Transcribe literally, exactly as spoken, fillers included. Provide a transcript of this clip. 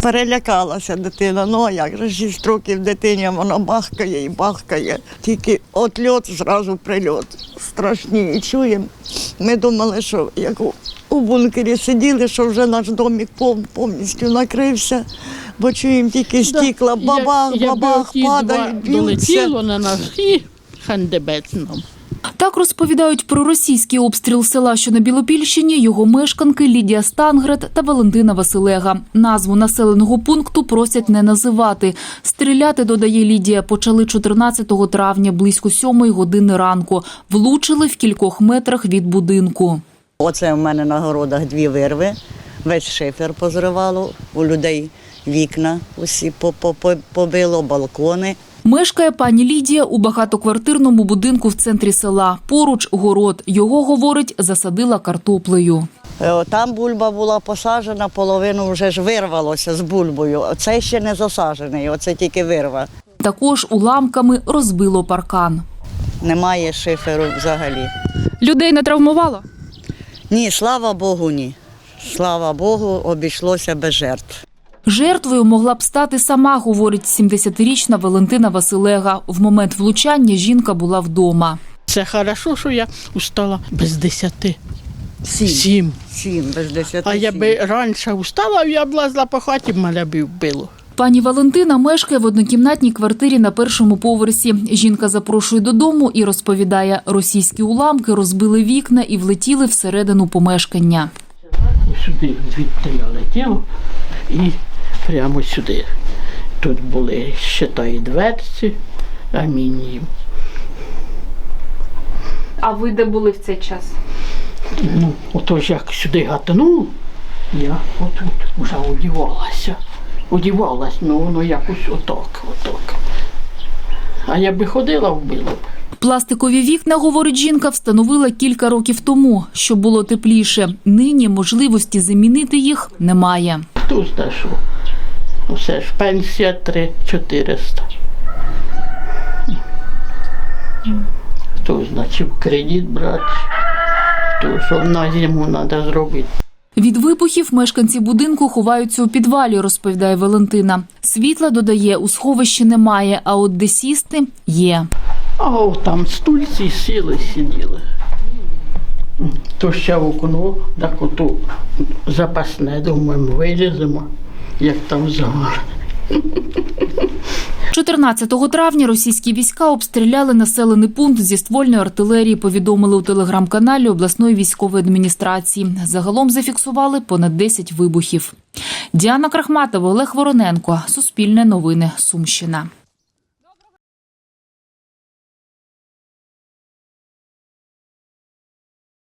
Перелякалася дитина, ну а як же, шість років дитині, вона бахкає і бахкає. Тільки отльот, зразу прильот. Страшні. І чуємо. Ми думали, що як у, у бункері сиділи, що вже наш домик пов, повністю накрився, бо чуємо тільки стікла, бабах, я, бабах, я падають, б'ються. Долетіло на нас і хандебець нам. Так розповідають про російський обстріл села, що на Білопільщині, його мешканки Лідія Стангрет та Валентина Василега. Назву населеного пункту просять не називати. Стріляти, додає Лідія, почали чотирнадцятого травня близько сьомої години ранку. Влучили в кількох метрах від будинку. Оце в мене на городах дві вирви, весь шифер позривало, у людей вікна усі побило, балкони. Мешкає пані Лідія у багатоквартирному будинку в центрі села. Поруч город. Його, говорить, засадила картоплею. Там бульба була посаджена, половину вже ж вирвалося з бульбою. Оце ще не засаджений, оце тільки вирва. Також уламками розбило паркан. Немає шиферу взагалі. Людей не травмувало? Ні, слава Богу, ні. Слава Богу, обійшлося без жертв. Жертвою могла б стати сама, говорить сімдесятирічна Валентина Василега. В момент влучання жінка була вдома. Це хорошо, що я устала без десяти. Сім. Сім. Сім, без десяти. А я би раніше устала, я б лазила по хаті, мене б вбило. Пані Валентина мешкає в однокімнатній квартирі на першому поверсі. Жінка запрошує додому і розповідає, російські уламки розбили вікна і влетіли всередину помешкання. Сюди звідти я летіло і прямо сюди. Тут були, считай, дверці, амінієм. А ви де були в цей час? Ну, отож як сюди гатануло, я отут вже одівалася. Одівалась, ну воно якось отак, отак. А я би ходила, вбила б. Пластикові вікна, говорить жінка, встановила кілька років тому, щоб було тепліше. Нині можливості замінити їх немає. Хто знає, що? Все ж пенсія три чотириста. Хто знає, чи в кредит брати, то що на зиму треба зробити. Від вибухів мешканці будинку ховаються у підвалі, розповідає Валентина. Світла, додає, у сховищі немає, а от де сісти – є. А о, там стульці сіли, сиділи. То ще в окно, так ото запасне, думаємо, виліземо, як там загор. чотирнадцятого травня російські війська обстріляли населений пункт зі ствольної артилерії, повідомили у телеграм-каналі обласної військової адміністрації. Загалом зафіксували понад десять вибухів. Діана Крахматова, Олег Вороненко. Суспільне новини. Сумщина.